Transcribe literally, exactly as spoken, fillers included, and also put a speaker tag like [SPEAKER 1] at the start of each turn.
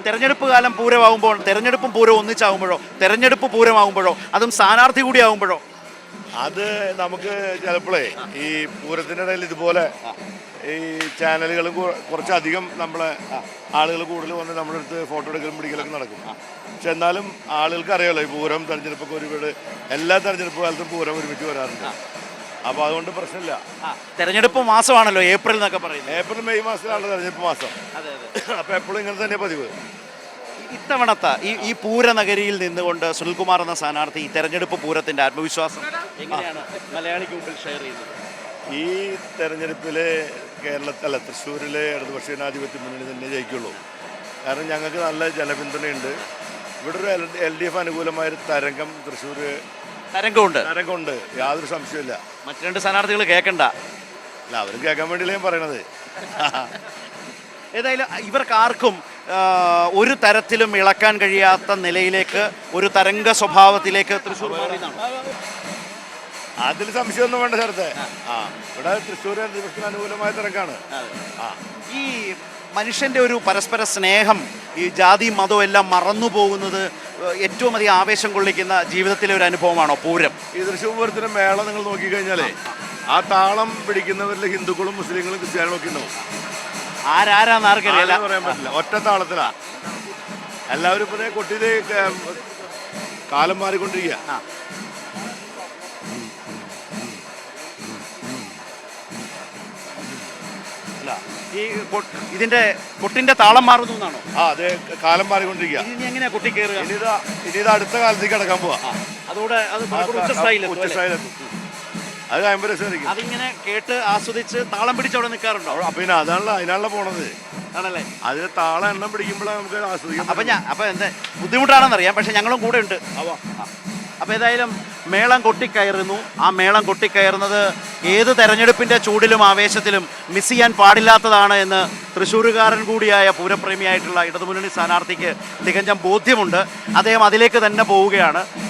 [SPEAKER 1] തെരഞ്ഞെടുപ്പ് കാലം പൂരമാകുമ്പോൾ തെരഞ്ഞെടുപ്പും പൂരം ഒന്നിച്ചാകുമ്പോഴോ തെരഞ്ഞെടുപ്പ് പൂരമാകുമ്പോഴോ അതും സ്ഥാനാർത്ഥി കൂടി ആകുമ്പോഴോ
[SPEAKER 2] അത് നമുക്ക് ചിലപ്പോഴേ ഈ പൂരത്തിൻ്റെ ഇടയിൽ ഇതുപോലെ ഈ ചാനലുകൾ കുറച്ചധികം നമ്മളെ ആളുകൾ കൂടുതൽ വന്ന് നമ്മുടെ അടുത്ത് ഫോട്ടോ എടുക്കലും പിടിക്കലൊക്കെ നടക്കും. പക്ഷെ എന്നാലും ആളുകൾക്ക് അറിയാമല്ലോ ഈ പൂരം തെരഞ്ഞെടുപ്പൊക്കെ ഒരുപാട് എല്ലാ തെരഞ്ഞെടുപ്പ് കാലത്തും പൂരം ഒരുമിച്ച് വരാറുണ്ട്. അപ്പോൾ അതുകൊണ്ട് പ്രശ്നമില്ല.
[SPEAKER 1] തെരഞ്ഞെടുപ്പ് മാസമാണല്ലോ ഏപ്രിൽ എന്നൊക്കെ പറയുന്നത്.
[SPEAKER 2] ഏപ്രിൽ മെയ് മാസത്തിലാണ് തെരഞ്ഞെടുപ്പ് മാസം. അപ്പോൾ എപ്പോഴും ഇങ്ങനെ തന്നെ പതിവ്.
[SPEAKER 1] ഇത്തവണത്തെ ഈ ഈ പൂരനഗരിയിൽ നിന്നുകൊണ്ട് സുനിൽകുമാർ എന്ന സ്ഥാനാർത്ഥി ഈ തെരഞ്ഞെടുപ്പ് പൂരത്തിന്റെ ആത്മവിശ്വാസം എങ്ങനെയാണ് മലയാളിക്ക് മുമ്പിൽ ഷെയർ ചെയ്യുന്നത്?
[SPEAKER 2] ഈ തെരഞ്ഞെടുപ്പിൽ കേരളത്തിലെ തൃശ്ശൂരിലെ ഇടതുപക്ഷ ജനാധിപത്യ മുന്നണി തന്നെ ജയിക്കുള്ളൂ. കാരണം ഞങ്ങൾക്ക് നല്ല ജനപിന്തുണയുണ്ട്. ഇവിടെ ഒരു എൽ എൽ ഡി എഫ് അനുകൂലമായൊരു തരംഗം തൃശ്ശൂർ
[SPEAKER 1] തരംഗമുണ്ട്
[SPEAKER 2] തരംഗമുണ്ട് യാതൊരു സംശയമില്ല.
[SPEAKER 1] മറ്റു രണ്ട് സ്ഥാനാർത്ഥികൾ കേൾക്കണ്ട.
[SPEAKER 2] അല്ല, അവരും കേൾക്കാൻ വേണ്ടിയില്ല ഞാൻ പറയണത്.
[SPEAKER 1] ഏതായാലും ഇവർക്കാർക്കും ഒരു തരത്തിലും ഇളക്കാൻ കഴിയാത്ത നിലയിലേക്ക് ഒരു തരംഗ സ്വഭാവത്തിലേക്ക് തൃശ്ശൂർ മാറിയതാണ്.
[SPEAKER 2] അതിൽ സംശയമൊന്നും വേണ്ട സ്ഥലത്തെ. ആ ഇവിടെ തൃശ്ശൂർ ഇടതുപക്ഷത്തിന് അനുകൂലമായ തരംഗമാണ്. ആ
[SPEAKER 1] ഈ മനുഷ്യൻ്റെ ഒരു പരസ്പര സ്നേഹം, ഈ ജാതി മതവും എല്ലാം മറന്നു പോകുന്നത് ഏറ്റവും അധികം ആവേശം കൊള്ളിക്കുന്ന ജീവിതത്തിലെ ഒരു അനുഭവമാണോ പൂരം?
[SPEAKER 2] ഈ തൃശ്ശൂർ പൂരത്തിൻ്റെ മേള നിങ്ങൾ നോക്കിക്കഴിഞ്ഞാലേ ആ താളം പിടിക്കുന്നവരിൽ ഹിന്ദുക്കളും മുസ്ലിങ്ങളും ക്രിസ്ത്യാനികളും ഒക്കെ ഉണ്ടാവും.
[SPEAKER 1] ആരാരാന്ന് ആർക്കറിയില്ല,
[SPEAKER 2] പറയാൻ പറ്റില്ല. ഒറ്റ താളത്തിലാ എല്ലാവരും ഇപ്പൊ കൊട്ടിയത് കാലം മാറിക്കൊണ്ടിരിക്കുക.
[SPEAKER 1] അല്ല, ഈ ഇതിന്റെ കൊട്ടിന്റെ താളം മാറുന്നു എന്നാണോ?
[SPEAKER 2] ആ അതെ, കാലം മാറിക്കൊണ്ടിരിക്കുക.
[SPEAKER 1] ഇനി എങ്ങനെയാ കൊട്ടി കയറുക?
[SPEAKER 2] ഇനി ഇതാ ഇനി ഇത് അടുത്ത കാലത്തേക്ക് കിടക്കാൻ പോവാ.
[SPEAKER 1] അതോടെ അത്
[SPEAKER 2] ഉച്ചസ്ഥായിലെത്തും. അത് കഴിയുമ്പോൾ രസമായിരിക്കും.
[SPEAKER 1] അതിങ്ങനെ കേട്ട് ആസ്വദിച്ച് താളം പിടിച്ച് അവിടെ നിൽക്കാറുണ്ടോ?
[SPEAKER 2] പിന്നെ അതാണല്ലോ അതിനാണല്ലോ പോണത്.
[SPEAKER 1] ആണല്ലേ?
[SPEAKER 2] അതിന് താളം എണ്ണം പിടിക്കുമ്പോഴാണ് നമുക്ക് ആസ്വദിക്കാം.
[SPEAKER 1] അപ്പൊ ഞാൻ അപ്പൊ എന്താ ബുദ്ധിമുട്ടാണെന്നറിയാം, പക്ഷെ ഞങ്ങളും കൂടെ ഉണ്ട്. അപ്പോൾ ഏതായാലും മേളം കൊട്ടിക്കയറുന്നു. ആ മേളം കൊട്ടിക്കയറുന്നത് ഏത് തെരഞ്ഞെടുപ്പിൻ്റെ ചൂടിലും ആവേശത്തിലും മിസ് ചെയ്യാൻ പാടില്ലാത്തതാണ് എന്ന് തൃശ്ശൂരുകാരൻ കൂടിയായ പൂരപ്രേമിയായിട്ടുള്ള ഇടതുമുന്നണി സ്ഥാനാർത്ഥിക്ക് തികഞ്ഞ ബോധ്യമുണ്ട്. അദ്ദേഹം അതിലേക്ക് തന്നെ പോവുകയാണ്.